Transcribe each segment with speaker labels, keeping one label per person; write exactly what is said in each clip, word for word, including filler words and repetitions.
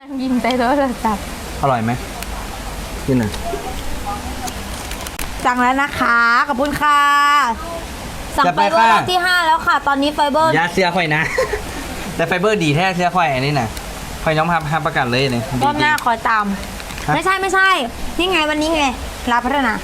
Speaker 1: ยิงใส่โทรศัพท์
Speaker 2: อร่อยไหมกินหน่อย
Speaker 1: สั่งแล้วนะคะขอบคุณค่ะสั่งไฟเบอร์รอบที่ห้าแล้วค่ะตอนนี้ไฟเบอร์
Speaker 2: ยาเสียค่อยนะ แต่ไฟเบอร์ดีแท้เสียค่อยอันนี้นะค่อยน้องทำทำประกันเลยเนี่ย
Speaker 1: รอบหน้าคอยตามไม่ใช่ไม่ใช่นี่ไงวันนี้ไงลาพัฒนา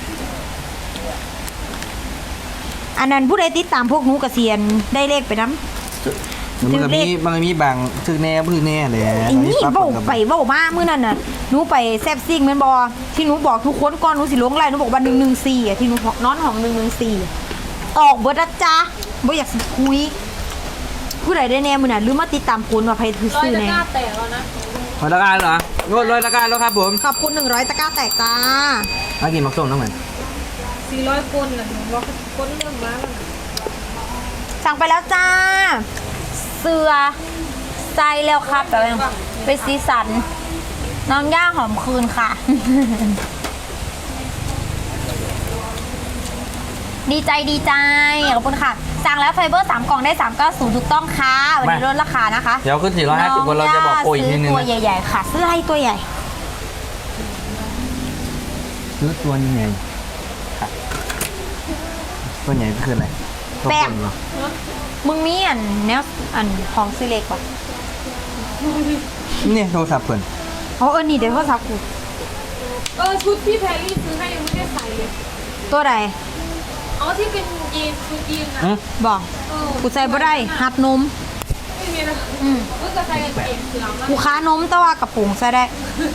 Speaker 1: อันนั้นผู้ใดติดตามพวกหนูกระเซียนได้เลขไปน้ำ
Speaker 2: มันก็มีมันก็มีบางชื่อแน่ชื่อแน่เลย
Speaker 1: อันนี้เบ้าไปเบ้ามาเมื่อนั้นน่ะหนูไปแซบซิ่งมันบอที่หนูบอกทุกคนก่อนหนูสิล้วงไล่หนูบอกว่าหนึ่งหนึ่งสี่อ่ะที่หนูนอนห้องหนึ่งหนึ่งสี่ออกเบิร์ดจ้าบ่อยากสิคุยผู้ใดได้แน่มือน่ะหรือมาติดตามคุณว่าใครถือซื้อแน่
Speaker 3: ร้อยตะกร้าแตกแล้วนะ
Speaker 2: ร้อยตะกร้าเหรอโง่ร้อยตะกร้าแล้วครับผม
Speaker 1: ขอบคุณหนึ่งร้อยตะกร้าแตกจ้า
Speaker 2: มากินมักส้มน้องเหมือน
Speaker 3: สี่ร้อยคนน่ะหนูว่าคนเรื่องมาแล้ว
Speaker 1: สั่งไปแล้วจ้าเสือใจแล้วครับแต่เป็นสีสันน้องย่าหอมคืนค่ะ ดีใจดีใจขอบคุณค่ะสั่งแล้วไฟเบอร์สามกล่องได้สามเก้าศูนย์ถูกต้องค่ะวันนี้ลดราคานะคะ
Speaker 2: เดี๋ยวขึ้นสี่ร้อยห้าสิบคนเราจะบอกโปรอีกทีนึง
Speaker 1: ตัวใหญ่ๆค่ะซื้ออะไรตัวใหญ่
Speaker 2: ซื้อตัวนี้ไงตัวใหญ่คืออะไร
Speaker 1: แป้งมึงมีอันเนี้ยอันของซื้อเล็กป่ะ
Speaker 2: นี่โทรศัพท์เพื่อน
Speaker 1: เขาเออนี่เดี๋ยวโทรศัพท์กู
Speaker 3: เออชุดที่แพรรี่ซื้อให้ยังไม่ได้ใส่เลย
Speaker 1: ตัวใด
Speaker 3: อ๋อที่เป็นยีนชุดยีนนะ
Speaker 1: บอกกูใส่บ่ได้หัดนม
Speaker 3: ไม่มีนะอืมก็จะใส่กางเกงสีดำ
Speaker 1: กูค้านมแต่ว่ากระปุกใส่ได้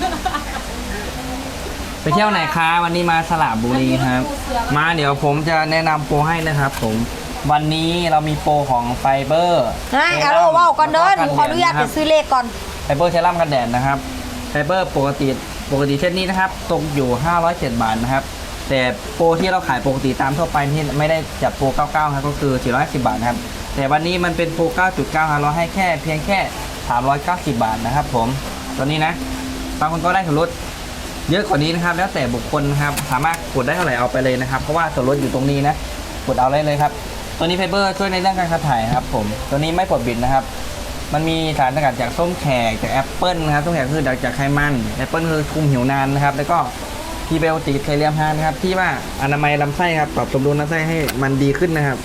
Speaker 2: ไปเที่ยวไหนคะวันนี้มาสระบุรีครับมาเดี๋ยวผมจะแนะนำโปรให้นะครับผมวันนี้เรามีโปรของไฟเบอร์
Speaker 1: นะเอาลูกว่าก่อนเดินขออนุญาตไปซื้อเลขก่อน
Speaker 2: ไฟเบอร์เซรั่มกันแดดนะครับไฟเบอร์ปกติปกติเซตนี้นะครับตกอยู่ห้าร้อยเจ็ดบาทนะครับแต่โปรที่เราขายปกติตามทั่วไปที่ไม่ได้จัดโปรเก้าสิบเก้าครับก็คือสี่ร้อยสิบบาทนะครับแต่วันนี้มันเป็นโปร เก้าจุดเก้า เราให้แค่เพียงแค่สามร้อยเก้าสิบบาทนะครับผมตัวนี้นะบางคนก็ได้ส่วนลดเยอะกว่านี้นะครับแล้วแต่บุคคลนะครับสามารถกดได้เท่าไหร่เอาไปเลยนะครับเพราะว่าส่วนลดอยู่ตรงนี้นะกดเอาเลยเลยครับตัวนี้ไฟเบอร์ช่วยในเรื่องการขับถ่ายครับผมตัวนี้ไม่ปลดบิดนะครับมันมีสารสกัดจากส้มแขกจากแอปเปิลนะครับส้มแขกคือจากไขมันแอปเปิลคือคุมหิวนานนะครับแล้วก็พีเบลติไคเลียมฮานนะครับที่ว่าอนามัยลำไส้ครับปรับสมดุลลำไส้ให้มันดีขึ้นนะครับ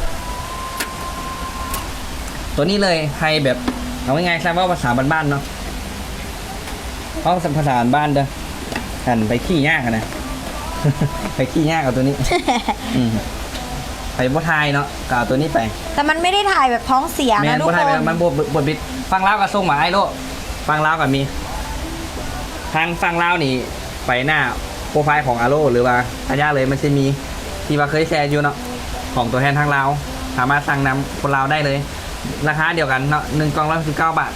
Speaker 2: ตัวนี้เลยใครแบบเอาง่ายๆใช่ว่าภาษาบ้านๆเนาะเพราะภาษาบ้านเด้อหันไปขี้ยากนะ ไปขี้ยากกับตัวนี้ ไปบดไทยเนาะกับตัวนี้ไป
Speaker 1: แต่มันไม่ได้ถ่ายแบบท้องเสียนะทุกคน
Speaker 2: มันบดบดบิดฟังเล่ากับส่งหมาไอ้โลฟังเล่ากับมีทางฟังเล่านี่ไปหน้าโปรไฟล์ของอาโลหรือว่าอาญาเลยมันจะมีที่ว่าเคยแชร์อยู่เนาะของตัวแทนทางเราสามารถสั่งนำคนเราได้เลยราคาเดียวกันเนาะหนึ่งกล่องร้อยสิบเก้าบาท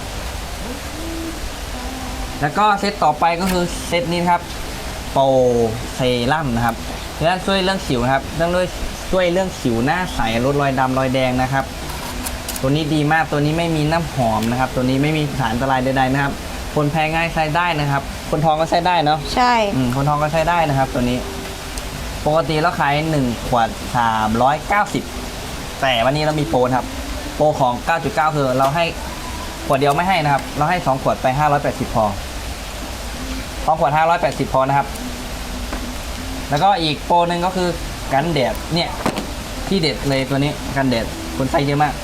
Speaker 2: แล้วก็เซตต่อไปก็คือเซตนี้ครับโปรเซรั่มนะครับเพื่อช่วยเรื่องสิวนะครับเรื่องด้วยช่วยเรื่องสิวหน้าใสลดรอยดำรอยแดงนะครับตัวนี้ดีมากตัวนี้ไม่มีน้ำหอมนะครับตัวนี้ไม่มีสารอันตรายใดๆนะครับคนแพ้ง่ายใช้ได้นะครับคนท้องก็ใช้ได้เนาะ
Speaker 1: ใช่
Speaker 2: คนท้องก็ใช้ได้นะครับตัวนี้ปกติเราขายหนึ่งขวดสามร้อยเก้าสิบแต่วันนี้เรามีโปรครับโปรของ เก้าจุดเก้า คือเราให้ขวดเดียวไม่ให้นะครับเราให้สองขวดไปห้าร้อยแปดสิบพอสองขวดห้าร้อยแปดสิบพอนะครับแล้วก็อีกโปรนึงก็คือกันแดดเนี่ยที่เด็ดเลยตัวนี้กันแดดคนใส่เยอะมาก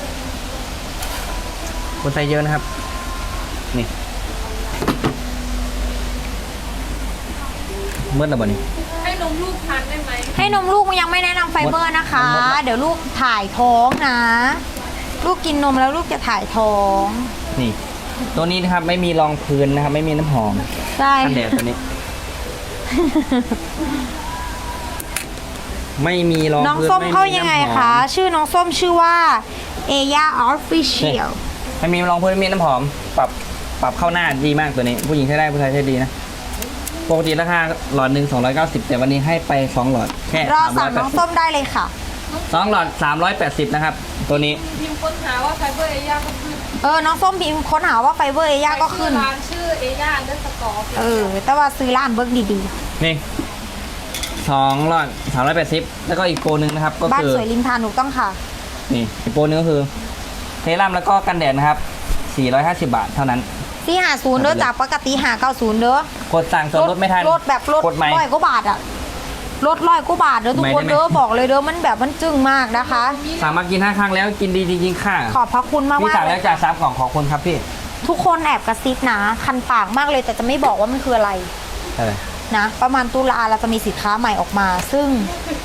Speaker 2: คนใส่เยอะนะครับนี่เมื่อไหร่บ่นี้
Speaker 3: ให้นมลูกทานได้ไหม
Speaker 1: ให้นมลูกมันยังไม่แนะนำไฟเบอร์นะคะเดี๋ยวลูกถ่ายท้องนะลูกกินนมแล้วลูกจะถ่ายท้อง
Speaker 2: นี่ตัวนี้นะครับไม่มีรองพื้นนะครับไม่มีน้ำหอม
Speaker 1: ใช่
Speaker 2: กันแดดตัวนี้ ไม่มีรอง
Speaker 1: น้องส้มเข้ายังไงคะชื่อน้องส้มชื่อว่าเอย่าออฟฟิเชียล
Speaker 2: ไม่มีรองพื้นไม่มีน้ำหอมปรับปรับเข้าหน้าดีมากตัวนี้ผู้หญิงใช้ได้ผู้ชายใช้ดีนะปกติราคาหลอดหนึ่งสองร้อยเก้าสิบแต่วันนี้ให้ไปสองหลอดแค่
Speaker 1: รอสั่งน้องส้มได้เลยค่ะ
Speaker 2: สองหลอดสามร้อยแปดสิบนะครับตัวนี้
Speaker 3: พิมพ์ค้นหาว่าไฟเบอร์เอย่าก็ขึ้น
Speaker 1: เออน้องส้มพิมพ์ค้นหาว่าไฟเบอร์เอย่าก็ขึ้น
Speaker 3: ร้านชื่อเอย่าเดอร์สกอร์
Speaker 1: เออแต่ว่าซื้อร้านเบิร์กดี
Speaker 2: ๆนี่สองหลอดสามร้อยแปดสิบแล้วก็อีกโปรนึงนะครับก็คือ
Speaker 1: บ้านสวยริมทานถูกต้องค่ะ
Speaker 2: นี่อีกโปรนึงก็คือเซรั่มแล้วก็กันแดดนะครับสี่ร้อยห้าสิบบาทเท่านั้น
Speaker 1: สี่ห้าศูนย์เด้อจากปกติห้าเก้าศูนย์เด้อก
Speaker 2: ดสั่งส่วนลดไม่ทัน
Speaker 1: ลดแบบลด
Speaker 2: กดใหม่
Speaker 1: ร้อยกว่าบาทอะลดร้อยกว่าบาทเด้อทุกคน
Speaker 2: ใหม่ได้ไหม
Speaker 1: เด้อบอกเลยเด้อมันแบบมันจึ้งมากนะคะ
Speaker 2: สั่งมากินห้าครั้งแล้วกินดีจริงๆค่ะ
Speaker 1: ขอบพระคุณมาก
Speaker 2: พี่
Speaker 1: มาก
Speaker 2: สั่ง
Speaker 1: เล
Speaker 2: แล้ว
Speaker 1: ย
Speaker 2: จ่ายซับกล่องขอบคุณครับพี่
Speaker 1: ทุกคนแอบกระซิบนะคันปากมากเลยแต่จะไม่บอกว่ามันคืออะไร
Speaker 2: อะไร
Speaker 1: นะประมาณตุลาเราจะมีสินค้าใหม่ออกมา ซึ่ง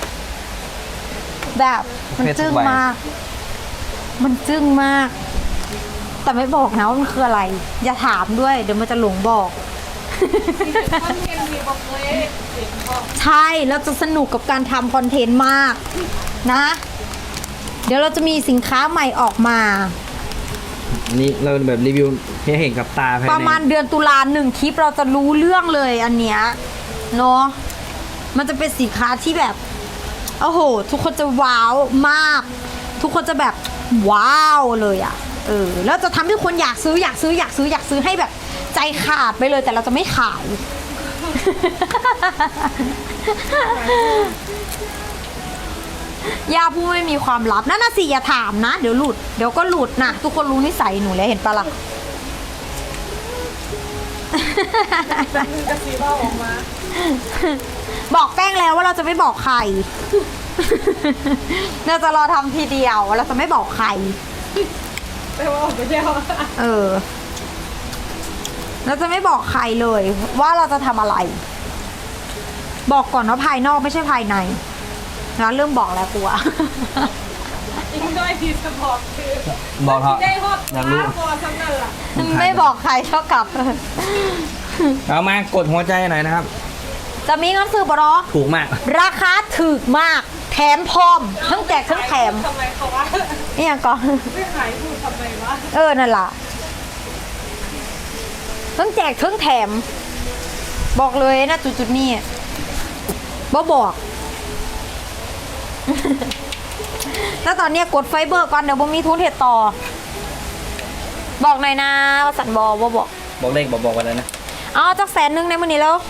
Speaker 1: แบบมันจึ้งมาก มันจึ้งมาก แต่ไม่บอกนะว่ามันคืออะไร อย่าถามด้วย เดี๋ยวมันจะหลงบอก
Speaker 3: คอนเทนต์มีบอกเลยเสียงบอก
Speaker 1: ใช่เราจะสนุกกับการทำคอนเทนต์มากนะ เดี๋ยวเราจะมีสินค้าใหม่ออกมา
Speaker 2: อันนี้เราแบบรีวิวให้เห็นกับตาภายใน
Speaker 1: ประมาณเดือนตุลาหนึ่งคลิปเราจะรู้เรื่องเลยอันเนี้ยเนาะมันจะเป็นสินค้าที่แบบโอ้โห ทุกคนจะว้าวมาก ทุกคนจะแบบว้าวเลยอะ่ะเออแล้วจะทำให้คนอยากซื้ออยากซื้ออยากซื้ออยากซื้อให้แบบใจขาดไปเลยแต่เราจะไม่ขาย ย่าผู้ไม่มีความลับนั่นน่ะสิอย่าถามนะเดี๋ยวหลุดเดี๋ยวก็หลุดนะทุกคนรู้นิสัยหนูแล้วเห็นปะล่ะ
Speaker 3: กระสีบ้าออกมา
Speaker 1: บอกแป้งแล้วว่าเราจะไม่บอกใคร เราจะรอทำทีเดียวเราจะไม่บอกใคร
Speaker 3: แต่ว่าออกไปเที่ยว
Speaker 1: เออ เราจะไม่บอกใครเลย ว่าเราจะทำอะไร บอกก่อนว่าภายนอกไม่ใช่ภายในแล้วเริ่มบอกแล้วกลัว
Speaker 3: อีกด้วยทีสปอร์ตคือ
Speaker 2: บอกเถอะ
Speaker 3: ได้ฮอต
Speaker 2: อยากรู้
Speaker 3: พอทั้งนั้นล่ะ
Speaker 1: ไม่บอกใครเท่ากับ
Speaker 2: เอามากดหัวใจหน่อยนะครับ
Speaker 1: จะมีเงินซื้อปะเนาะ
Speaker 2: ถูกมาก
Speaker 1: ราคาถูกมาก แถมพร้อม ทั้งแจกทั้งแถม
Speaker 3: ทำไมเขาว่า
Speaker 1: นี่ยังก่อน
Speaker 3: ไม่ขายพูดทำไมวะ
Speaker 1: เออ นั่นล่ะทั้งแจกทั้งแถม บอกเลยนะจุดๆนี้บ่บอก แล้วตอนเนี้ยกดไฟเบอร์ก่อนเดี๋ยวบ่มีทุนเห็ดต่อ บอกหน่อยนะว่าสันบอบ่บอก
Speaker 2: บอกเลขบอกบอกกันเลยนะ
Speaker 1: เอาจักแสนหนึงในมือนี้แล้ว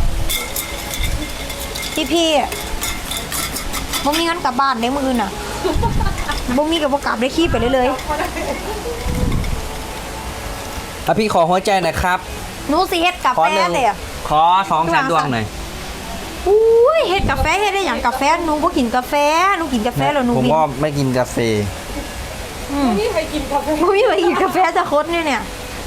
Speaker 1: พี่พี่บ่มีเงินกลับบ้านในมืออื่นน่ะบ่มีกับบ่กลับได้ขี้ไปเลยเลย
Speaker 2: ถ้าพี่ขอหัวใจหน่อยครับ
Speaker 1: หนูสิเฮ็ดกา
Speaker 2: ขอ
Speaker 1: แฟ
Speaker 2: หนึ่ง
Speaker 1: แต่
Speaker 2: ขอสองแสนดวงหน่อย
Speaker 1: อุ้ยเฮ็ดกาแฟเฮ็ดได้อย่างกาแฟหนูบ่กินกาแฟหนูกินกาแฟแล้วหนู
Speaker 2: ผม
Speaker 1: กิน
Speaker 2: ก็ไม่กินกาแฟ
Speaker 3: ไม่มีใครกินกาแฟ
Speaker 1: บ่มีไปกินกาแฟจะคดเนี่ยเนี่ย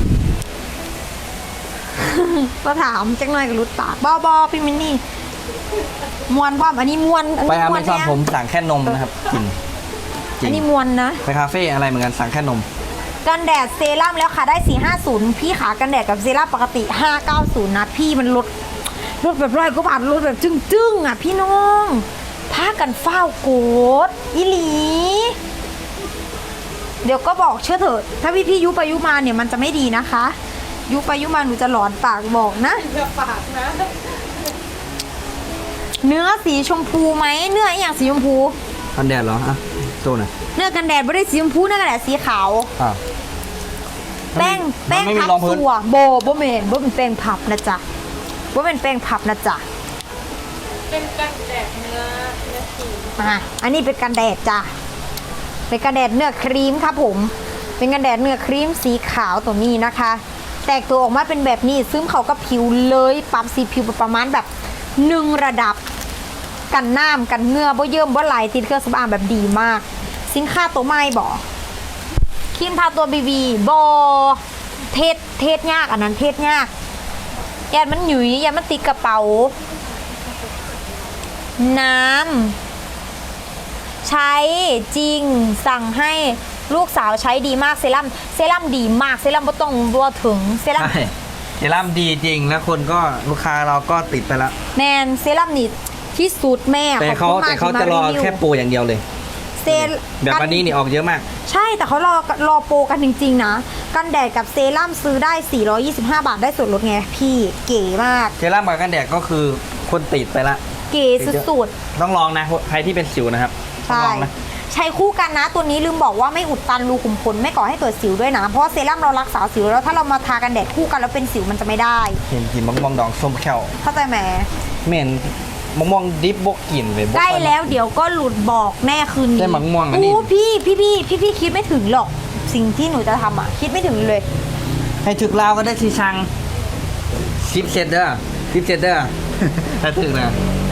Speaker 1: ก็ถามจังหน่อยก็รุดปากบ่ๆพี่มินนี่มวนพร้อมอันนี้มวนอัน
Speaker 2: ไป
Speaker 1: นี้
Speaker 2: อ
Speaker 1: ม
Speaker 2: เม
Speaker 1: วน
Speaker 2: ซอน
Speaker 1: แน่
Speaker 2: ผมสั่งแค่นมนะครับ กินจริ
Speaker 1: อั
Speaker 2: ง
Speaker 1: นนี้มวนนะ
Speaker 2: ไปคาเฟ่อะไรเหมือนกันสั่งแค่นม
Speaker 1: กันแดดเซรั่มแล้วค่ะได้ สี่ห้าศูนย์ พี่ขากันแดดกับเซรั่มปกติ ห้าเก้าศูนย์ นะ พี่มันลดลดแบบร้อยกว่าบาทลดแบบจึ้งๆ อ่ะ พี่น้องพากันเฝ้าโกดอีหลี เดี๋ยวก็บอกเชื่อเถอะ ถ้าพี่พี่ยุไปยุมาเนี่ยมันจะไม่ดีนะคะ ยุไปยุมาหนูจะหลอนปากบอกนะ
Speaker 3: เพื่อปากนะ
Speaker 1: เนื้อสีชมพูไหมเนื้ออหย่างสีชมพู
Speaker 2: กันแดดเหรออ่ะโตหน่อย
Speaker 1: เนื้อกันแดดไม่ได้สีชมพูเนื้อกันแดดสีขาว
Speaker 2: อ้าว
Speaker 1: แป้ง
Speaker 2: มั
Speaker 1: แป้
Speaker 2: น
Speaker 1: ง
Speaker 2: ไม่มี
Speaker 1: พับ
Speaker 2: รองพื้น
Speaker 1: สัวโบโบเมนโบเป็นแป้งพับนะจ๊ะโบเป็นแป้งพับนะจ๊ะ
Speaker 3: เป็นกันแดดเนื้อเนื้อสี
Speaker 1: อ่ะอันนี้เป็นกันแดดจ้ะเป็นกันแดดเนื้อครีมครับผม เป็นกันแดดเนื้อครีมสีขาวตัวนี้นะคะ แตกตัวออกมาเป็นแบบนี้ซึมเข้ากับผิวเลยปรับสีผิวประมาณแบบหนึ่งระดับ กันน้ำกันเหงื่อบ่เยิ่มบ่ไหลติดเครื่องสำอางแบบดีมาก สินค้าตัวใหม่บ่ครีมทาตัวบีบีบอเทศเทศยากอันนั้นเทศยากยานมันหยุยยานมันติดกระเป๋า น้ำใช้จริงสั่งให้ลูกสาวใช้ดีมากเซรั่มเซรั่มดีมากเซรั่มบ่ต้องรัวถึงเซรั่ม
Speaker 2: ใช่เซรั่มดีจริงแล้วคนก็ลูกค้าเราก็ติดไปแล้ว
Speaker 1: แมนเซรั่มนี่ที่สุดแม่
Speaker 2: แต่เขา
Speaker 1: ขอบคุณมก
Speaker 2: แต่เขา
Speaker 1: ที่ม
Speaker 2: จะรอ
Speaker 1: วิว
Speaker 2: แค่โปรอย่างเดียวเลย
Speaker 1: เซ
Speaker 2: แบบวันนี้นี่ออกเยอะมาก
Speaker 1: ใช่แต่เขารอรอโปรกันจริงๆนะ กันแดดกับเซรั่มซื้อได้ สี่ร้อยยี่สิบห้า บาทได้ส่วนลดไงพี่เก๋มาก
Speaker 2: เซรั่มกับกันแดดก็คือคนติดไปละ
Speaker 1: เก๋สุด
Speaker 2: ต้องลองนะใครที่เป็นสิวนะครับ
Speaker 1: ๆ
Speaker 2: ต้อง
Speaker 1: ใช่
Speaker 2: ลองนะ
Speaker 1: ใช้คู่กันนะ ตัวนี้ลืมบอกว่าไม่อุดตันรูขุมขนไม่ก่อให้เกิดสิวด้วยนะ เพราะว่าเซรั่มเรารักษาสิวแล้วถ้าเรามาทากันแดดคู่กันแล้วเป็นสิวมันจะไม่ได้
Speaker 2: เห็นกินมะม่วงดองส้มแค่ว
Speaker 1: เข้าใจไหม
Speaker 2: เหม็นมะม่วงดิบบกกลิ่นเลยบ่
Speaker 1: ใกล้
Speaker 2: ค่อย
Speaker 1: แล้วเดี๋ยวก็หลุดบอกแน่คืนนี้
Speaker 2: ได้มะม่วงอันนี้
Speaker 1: อู้พี่พี่พี่พี่พี่คิดไม่ถึงหรอกสิ่งที่หนูจะทำอ่ะคิดไม่ถึงเลย
Speaker 2: ให้ถึกลาวก็ได้สิชังสิบเซตเด้อสิบเซตเด้อ ถ้าถึกนะ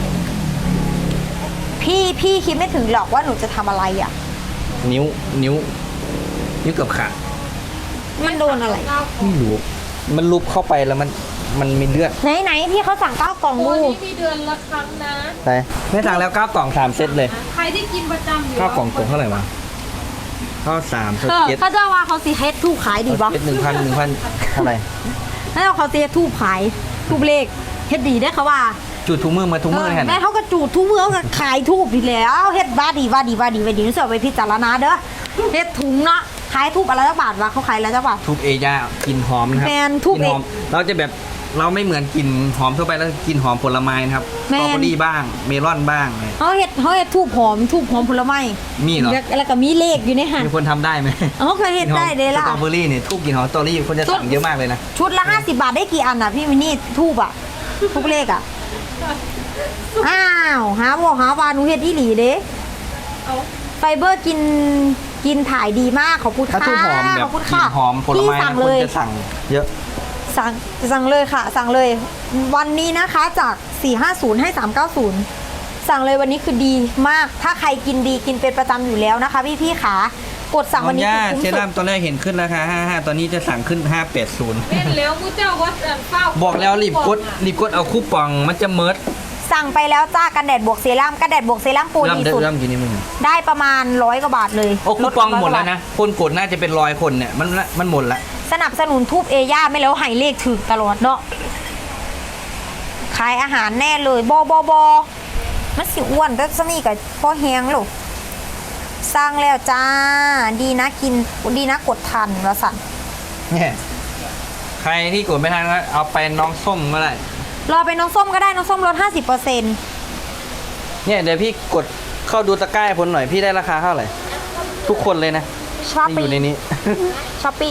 Speaker 1: พี่พี่คิดไม่ถึงหรอกว่าหนูจะทำอะไรอ่ะ
Speaker 2: นิ้วนิ้ว นิ้วเกือบขาด
Speaker 1: มันโดนอะไร
Speaker 2: ไม่รู้มันลุบเข้าไปแล้วมันมันมีเลือด
Speaker 1: ไหนไหนพี่เขาสั่งเก้ากล่อง
Speaker 3: โปร
Speaker 1: ดู
Speaker 3: นี้มีเดือนละครั้งนะ
Speaker 2: ไปไม่สั่งแล้วเก้ากล่องสามเซตเลย
Speaker 3: ใครที่กินประจำอยู่
Speaker 2: เก้ากล่องตกเท่าไหร่วะเก้าสามเซต
Speaker 1: เออ
Speaker 2: เจ็ด
Speaker 1: เขาจะว่าเขาสีเฮดทูบขายดีปะ
Speaker 2: เซตหนึ่งพันหนึ่งพันเท่าไหร่
Speaker 1: แล้วเขาสีเฮดทูบขายทูบเลขเฮ็ดดีได้เขาว่า
Speaker 2: จุดทุกมือมาทุกมือแค่ไหน
Speaker 1: แม่เขาก็จูดทุกเมืองก็ขายทูบดีแล้วเฮ็ดบ้าดีว่าดีว่าดีว่าดีนี่เสือไปพิจารณาเด้อเฮ็ดถุงเนาะขายทูบอะไรละบาทวะเขาขายอะไรละบาท
Speaker 2: ทุบเอย่ากลินหอมนะครับ
Speaker 1: แมนทุบ
Speaker 2: กลินหอม
Speaker 1: เอ
Speaker 2: เราจะแบบเราไม่เหมือนกลิ่นหอมทั่วไปแล้วกลิ่นหอมผลไม้นะครับส
Speaker 1: แม
Speaker 2: ตรอน เบอรี่บ้างเมลอนบ้างอะไร
Speaker 1: เขาเฮ็ดเขาเฮ็ดทูบหอมทูบหอมผลไม้
Speaker 2: มีเหรอ
Speaker 1: แล้วแล้วก็มีเลขอยู่ในหัน
Speaker 2: มีคนทำได้ไหม
Speaker 1: เขาเคยเฮ็ดได้เลยล่ะ
Speaker 2: สตรอเบอรี่เนี่ยทุบกลิ่นหอมสตรอเบอรี่คนจะสั่งเยอะมากเลยนะ
Speaker 1: ชุดละห้าสิบบาทได้กี่อันอ่ะพี่มินนี่ทูบอ่ะทุกเลขอ่ะอ้าวหาบอกหาวาหนูเฮ็ดอีหลีเด้
Speaker 3: เอา
Speaker 1: ไฟเบอร์กินกินถ่ายดีมากขอบคุณ
Speaker 2: ถ้า
Speaker 1: ค่ะ
Speaker 2: ทูบหอมแบ
Speaker 1: ข
Speaker 2: บ
Speaker 1: อบคุณ
Speaker 2: กลิ่
Speaker 1: ค่ะ
Speaker 2: นหอมผล
Speaker 1: พี่
Speaker 2: ไม้
Speaker 1: สั่ง
Speaker 2: นะค
Speaker 1: เล
Speaker 2: น
Speaker 1: ย
Speaker 2: จะสั่งเยอะ
Speaker 1: สั่งสั่งเลยค่ะ สั่งเลย วันนี้นะคะจากสี่ห้าศูนย์ให้สามเก้าศูนย์สั่งเลยวันนี้คือดีมาก ถ้าใครกินดีกินเป็นประจำอยู่แล้วนะคะ พี่พี่ๆขากดสั่งวันนี้
Speaker 2: น้อง
Speaker 1: คือ
Speaker 2: ย่า
Speaker 1: คุ้ม
Speaker 2: เซ
Speaker 1: สุ
Speaker 2: รั่
Speaker 1: ด
Speaker 2: มตอนแรกเห็นขึ้นราคาห้าห้าตอนนี้จะสั่งขึ้นห้าแปดศูนย์
Speaker 3: เล่นแล้วมูเจ้าวัดอันเฝ้า
Speaker 2: บอกแล้วรีบกดรีบกดเอาคูปองมันจะเมิร์ด
Speaker 1: สั่งไปแล้วจ้ากันแดดบวกเซรั่มกันแดดบวกเซรั่มปู
Speaker 2: เริ่ม
Speaker 1: ดี
Speaker 2: เด้อ
Speaker 1: สุด
Speaker 2: เริ่มกินนี่มึง
Speaker 1: ได้ประมาณร้อยกว่าบาทเลย
Speaker 2: โอ้คูปอง
Speaker 1: ร้ย
Speaker 2: หมด
Speaker 1: กา
Speaker 2: แล้ว
Speaker 1: บาท
Speaker 2: นะคนกดน่าจะเป็นร้อยคนเนี่ยมันมันหมดละ
Speaker 1: สนับสนุนทูบเอย่าไม่แล้วให้เลขถึกตลอดเนาะขายอาหารแน่เลยบอบอบอมันสิอ้วนแต่สนี่กับพ่อแฮงลูกสร้างแล้วจ้า ดีนะกินดีนะกดทันแล้วสั่น
Speaker 2: เนี่ยใครที่กดไม่ทันก็เอาไปน้องส้มก็ได้
Speaker 1: รอเป็นน้องส้มก็ได้น้องส้มลดห้าสิบเปอร์เซ็นต์
Speaker 2: เนี่ยเดี๋ยวพี่กดเข้าดูตะกร้าให้ผมหน่อยพี่ได้ราคาเท่าไหร่ทุกคนเลยนะ
Speaker 1: ช้อป
Speaker 2: ที่อ
Speaker 1: ปี้
Speaker 2: ยู่ในนี้
Speaker 1: ช้อปปี้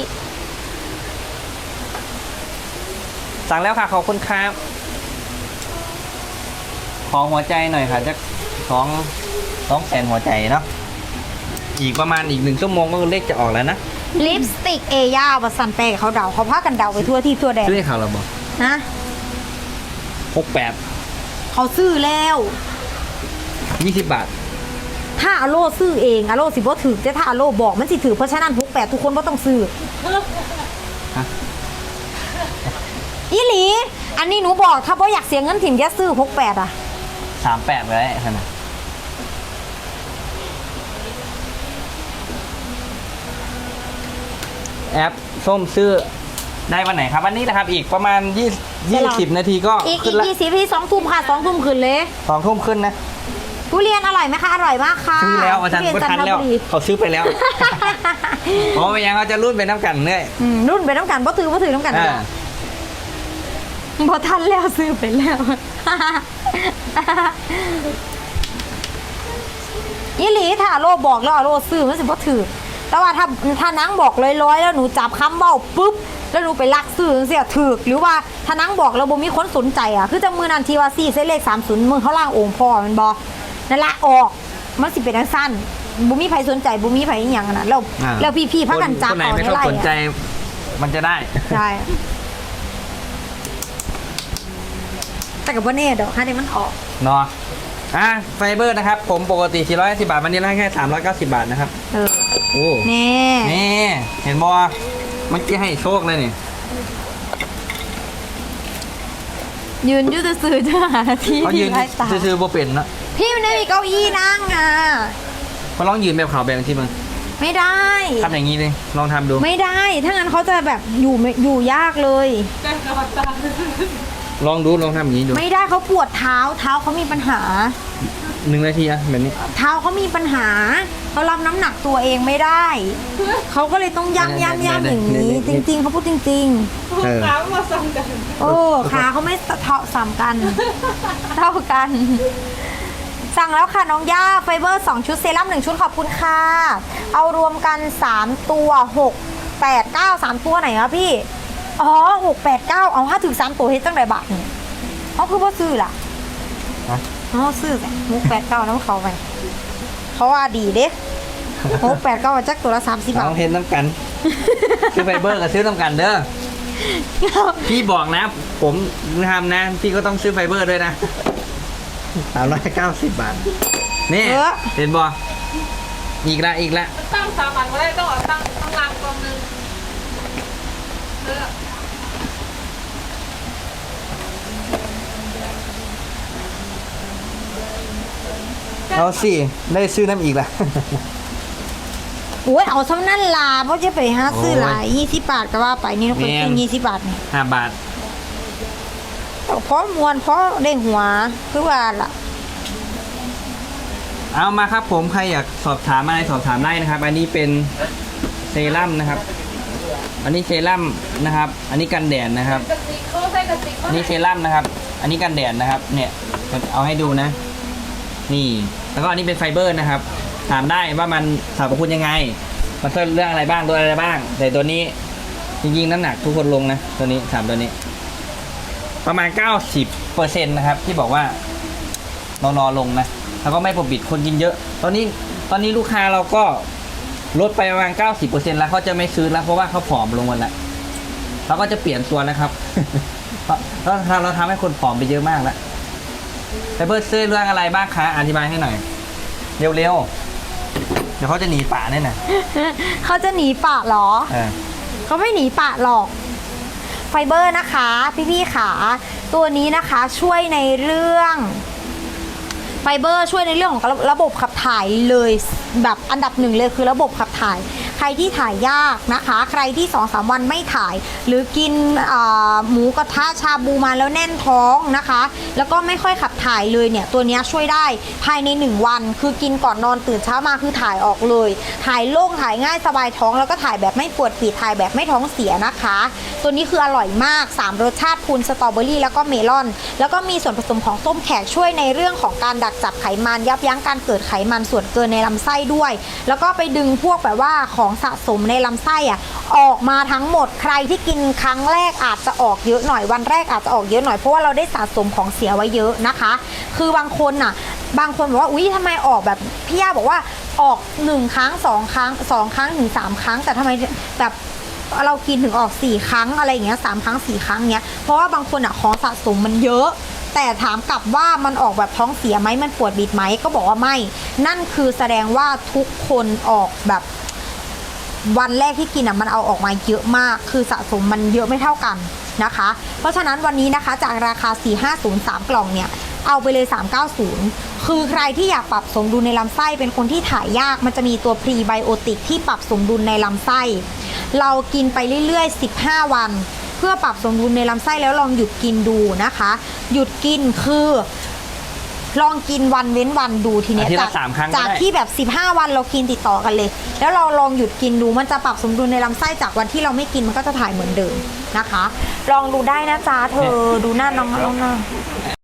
Speaker 2: สั่งแล้วค่ะขอบคุณครับขอหัวใจหน่อยค่ะจะสองสองแสนหัวใจเนาะอีกประมาณอีกหนึ่งชั่วโมงก็เลขจะออกแล้วนะ
Speaker 1: ลิปสติกเอย่าบัสันแปลกเขาเดาเขาพากันเดาไปทั่วที่ทั่วแดน
Speaker 2: ซื้อให้เขาเราบอก
Speaker 1: นะ
Speaker 2: หกแปด
Speaker 1: เขาซื้อแล้ว
Speaker 2: ยี่สิบบาท
Speaker 1: ถ้าอโลซื้อเองอโลสิบ่ถือแต่ถ้าอโลบอกมันสิถือเพราะฉะนั้นทุกแปดทุกคนก็ต้องซื้อ
Speaker 2: ฮะ
Speaker 1: อีหลี อันนี้หนูบอกถ้าบ่อยากเสียเงินถิ่มจะซื้อหกแปดอ่ะ
Speaker 2: สามแปดไว้ขนาดแอปส้มซื้อได้วันไหนครับวันนี้นะครับ อีกประมาณยี่ยี่สิบนาทีก็
Speaker 1: อีก
Speaker 2: ขึ้
Speaker 1: อี
Speaker 2: น
Speaker 1: ก
Speaker 2: ละ
Speaker 1: ยี่สิบที่สองทุ่มค่ะสองทุ่มคืนเลย
Speaker 2: สองทุ่มขึ้นนะ
Speaker 1: ทุเรียนอร่อยไหมคะ อร่อยมากค่ะ
Speaker 2: ซื้อแล้วอาจารย์
Speaker 1: ทุเรียน
Speaker 2: ก็
Speaker 1: จัน
Speaker 2: ทัน
Speaker 1: ท
Speaker 2: แล้ว
Speaker 1: บุรี
Speaker 2: เขาซื้อไป แล้วเพราะไม่งั้นเขาจะรุ่นไปน้ำกันเนื่อย
Speaker 1: อืมรุ่นไปน้ำกันบ่ถือบ่ถือน้ำกัน
Speaker 2: อ่า
Speaker 1: บ่ทันแล้วซื้อไปแล้ว อีหลีถ้าอโลบอกแล้วอโลซื้อมันสิบ่ถือแต่ว่าถ้าถ้านังบอกลอยๆแล้วหนูจับคำเบ้าปุ๊บแล้วหนูไปลักซื้อจังซี่ถือหรือว่าถ้านังบอกแล้วบ่มีคนสนใจอ่ะคือจังมือนันทีว่าสี่เส้นเลขสามสิบมือเขาล่างองค์พ่อแมันบ่นั่นละออกมันสิเป็นจังซั่นบ่มีไผสนใจบ่มีไผอีหยังอะนะแล้ว
Speaker 2: อ่า
Speaker 1: แล้วพี่ๆพากันจับ
Speaker 2: คนไหน
Speaker 1: เอา
Speaker 2: ไม่
Speaker 1: ใน
Speaker 2: เข้า
Speaker 1: ไร่
Speaker 2: สนใจ
Speaker 1: อะ
Speaker 2: มันจะได้
Speaker 1: ใช่แต่กับว่าเน่ดอกให้ได้มันออก
Speaker 2: เนาะอ่ะไฟเบอร์นะครับ ผมปกติสี่ร้อยห้าสิบบาท วันนี้ได้แค่สามร้อยเก้าสิบบาทนะครับ
Speaker 1: เออ
Speaker 2: โอ้
Speaker 1: แน่
Speaker 2: นี่เห็นบอเมื่อกี้ให้โชคเลยนี่
Speaker 1: ยืนอยืดซื้อๆจะหาที่
Speaker 2: เขายืน
Speaker 1: ไร้ตา
Speaker 2: ซื้อๆโบเป็นนะ
Speaker 1: พี่มันไม่มีเก้าอี้นั่งอ่ะ
Speaker 2: เขาลองยืนแบบขาวแบบที่มึง
Speaker 1: ไม่ได้
Speaker 2: ทำอย่างนี้เลยลองทำดู
Speaker 1: ไม่ได้ ถ้างั้นเขาจะแบบอยู่ไม่อยู่ยากเลย
Speaker 3: แต่กระตา
Speaker 2: ลองดูลองทำอย่างนี้ดู
Speaker 1: ไม่ได้เขาปวดเท้า เท้าเขามีปัญหา
Speaker 2: หนึ่งนาทีอะแบบนี้
Speaker 1: เท้าเขามีปัญหา เขารับน้ำหนักตัวเองไม่ได้ เขาก็เลยต้องย่ำย่ำย่ำอย่างนี้ จริง ๆเขาพูดจริง
Speaker 2: เออ
Speaker 3: ถามมาสั่งกัน
Speaker 1: ๆ โอ้ขาเขาไม่เท่าสามกัน เท่ากัน สั่งแล้วค่ะน้องย่าไฟเบอร์สองชุดเซรั่มหนึ่งชุดขอบคุณค่ะ เอารวมกันสามตัวหก แปด เก้า สามตัวไหนครับพี่ อ๋อหก แปด เก้าเอาห้าถึงสามตัวเฮ็ดตั้งแต่บาทนี่เขาคือว่าซื้อล่ะ
Speaker 2: ฮะ
Speaker 1: อ๋อซื้อไงหก แปด เก้าน้ำเขาไปเขาว่าดีเด้หก แปด เก้าจักตัวละสามสิบบา
Speaker 2: ล
Speaker 1: ท
Speaker 2: องเห็นน้ำกัน ซื้อไฟเบอร์กับซื้อน้ำกันเด้อพี่บอกนะ ผมทำนะ พี่ก็ต้องซื้อไฟเบอร์ด้วยนะสามร้อยเก้าสิบบาท นี่
Speaker 1: เออ
Speaker 2: เห็นบออีกละอีกละ
Speaker 3: ตั้งสามอันก็ได้ต้องเอาตั้งตั้งรางกองหนึงเออ
Speaker 2: เอาสิได้ซื้อน้ำอีกละ
Speaker 1: โอ้ยเอาซ้ำนั่นลาเพราะจะไปหาซื้อหลาย
Speaker 2: โอ้ย
Speaker 1: ยี่สิบบาทก็ว่าไปนี่คน
Speaker 2: แม่
Speaker 1: ซื้
Speaker 2: น
Speaker 1: อยี่สิบบาทนี่
Speaker 2: ห้าบาท
Speaker 1: เพราะมวนเพราะได้หัวคือว่าล่ะ
Speaker 2: เอามาครับผมใครอยากสอบถามอะไรสอบถามได้นะครับ อันนี้เป็นเซรั่มนะครับ อันนี้เซรั่มนะครับ อันนี้กันแดดนะครับ
Speaker 3: กระติกเขาใส่กระติกเขา
Speaker 2: อันนี้เซรั่มนะครับ อันนี้กันแดดนะครับ เนี่ยเอาให้ดูนะ นี่ แล้วก็อันนี้เป็นไฟเบอร์นะครับ ถามได้ว่ามันสรรพคุณยังไง มันช่วยเรื่องอะไรบ้างตัวอะไรบ้าง แต่ตัวนี้จริงๆน้ำหนักทุกคนลงนะ ตัวนี้สามตัวนี้ ประมาณ เก้าสิบเปอร์เซ็นต์ นะครับ ที่บอกว่านอนๆลงนะ แล้วก็ไม่ปกปิดคนกินเยอะ ตอนนี้ตอนนี้ลูกค้าเราก็ลดไปประมาณ เก้าสิบเปอร์เซ็นต์ แล้วเขาจะไม่ซื้อแล้วเพราะว่าเขาผอมลงหมดแล้วเราก็จะเปลี่ยนตัวนะครับ เพราะเราเราทำให้คนผอมไปเยอะมากแล้วไฟเบอร์ซื้อเรื่องอะไรบ้างคะอธิบายให้หน่อย เร็วๆ เดี๋ยวเขาจะหนีป่าแน่น่ะ
Speaker 1: เขาจะหนีปะเหรอ
Speaker 2: เออ
Speaker 1: เขาไม่หนีปะหรอก ไฟเบอร์นะคะ พี่ๆขาตัวนี้นะคะช่วยในเรื่องไฟเบอร์ช่วยในเรื่องของระระบบขับถ่ายเลยแบบอันดับหนึ่งเลยคือระบบขับถ่าย ใครที่ถ่ายยากนะคะ ใครที่ สองสาม วันไม่ถ่าย หรือกินอ่าหมูกระทะชาบูมาแล้วแน่นท้องนะคะ แล้วก็ไม่ค่อยขับถ่ายเลยเนี่ยตัวนี้ช่วยได้ภายในหนึ่งวัน คือกินก่อนนอนตื่นเช้ามาคือถ่ายออกเลย ถ่ายโล่งถ่ายง่ายสบายท้องแล้วก็ถ่ายแบบไม่ปวดปีดถ่ายแบบไม่ท้องเสียนะคะ ตัวนี้คืออร่อยมากสามรสชาติพูนสตรอเบอรี่แล้วก็เมลอน แล้วก็มีส่วนผสมของส้มแขกช่วยในเรื่องของการดักจับไขมันยับยั้งการเกิดไขมันส่วนเกินในลำไส้ด้วย แล้วก็ไปดึงพวกแบบว่าของสะสมในลำไส้อะออกมาทั้งหมดใครที่กินครั้งแรกอาจจะออกเยอะหน่อยวันแรกอาจจะออกเยอะหน่อยเพราะว่าเราได้สะสมของเสียไว้เยอะนะคะ คือบางคนน่ะบางคนบอกว่าอุ๊ยทำไมออกแบบพี่ย่าบอกว่าออกหนึ่งครั้งสองครั้งสองครั้งถึงสามครั้งแต่ทำไมแบบเรากินถึงออกสี่ครั้งอะไรอย่างเงี้ยสามครั้งสี่ครั้งเงี้ยเพราะว่าบางคนอ่ะของสะสมมันเยอะ แต่ถามกลับว่ามันออกแบบท้องเสียไหมมันปวดบิดไหมก็บอกว่าไม่นั่นคือแสดงว่าทุกคนออกแบบวันแรกที่กินอ่ะมันเอาออกมาเยอะมากคือสะสมมันเยอะไม่เท่ากันนะคะ เพราะฉะนั้นวันนี้นะคะจากราคาสี่ห้าศูนย์สามกล่องเนี่ยเอาไปเลยสามเก้าศูนย์คือใครที่อยากปรับสมดุลในลำไส้เป็นคนที่ถ่ายยากมันจะมีตัวพรีไบโอติกที่ปรับสมดุลในลำไส้เรากินไปเรื่อยๆสิบห้าวันเพื่อปรับสมดุลในลำไส้แล้วลองหยุดกินดูนะคะหยุดกินคือลองกินวันเว้นวันดูทีเนี้ย
Speaker 2: อาทิตย์
Speaker 1: จา
Speaker 2: ละ
Speaker 1: ก
Speaker 2: สามครั้งก็ได้
Speaker 1: จากที่แบบสิบห้าวันเรากินติดต่อกันเลย แล้วเราลองหยุดกินดูมันจะปรับสมดุลในลำไส้จากวันที่เราไม่กินมันก็จะถ่ายเหมือนเดิมนะคะ ลองดูได้นะจ๊ะเธอดูหน้าน้องน้องน้อง